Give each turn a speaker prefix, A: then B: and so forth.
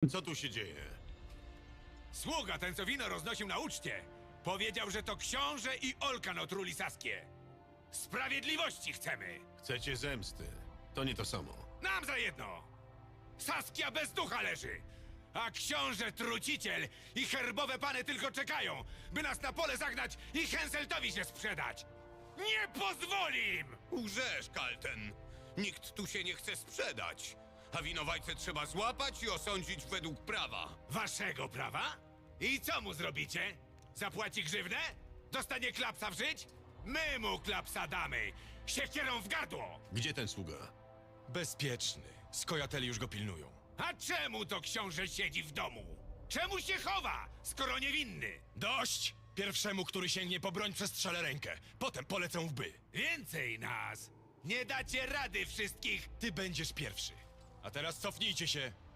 A: Co tu się dzieje?
B: Sługa, ten co wino roznosił na uczcie, powiedział, że to książę i Olkan otruli Saskię. Sprawiedliwości chcemy!
A: Chcecie zemsty. To nie to samo.
B: Nam za jedno! Saskia bez ducha leży! A książę truciciel i herbowe pany tylko czekają, by nas na pole zagnać i Henseltowi się sprzedać! Nie pozwolim!
C: Łżesz, Kalten. Nikt tu się nie chce sprzedać. A winowajcę trzeba złapać i osądzić według prawa.
B: Waszego prawa? I co mu zrobicie? Zapłaci grzywnę? Dostanie klapsa w żyć? My mu klapsa damy! Siekierą w gardło!
A: Gdzie ten sługa?
D: Bezpieczny. Skojateli już go pilnują.
B: A czemu to książę siedzi w domu? Czemu się chowa, skoro niewinny?
D: Dość! Pierwszemu, który sięgnie po broń, przestrzelę rękę. Potem polecę w by.
B: Więcej nas! Nie dacie rady wszystkich!
D: Ty będziesz pierwszy. A teraz cofnijcie się.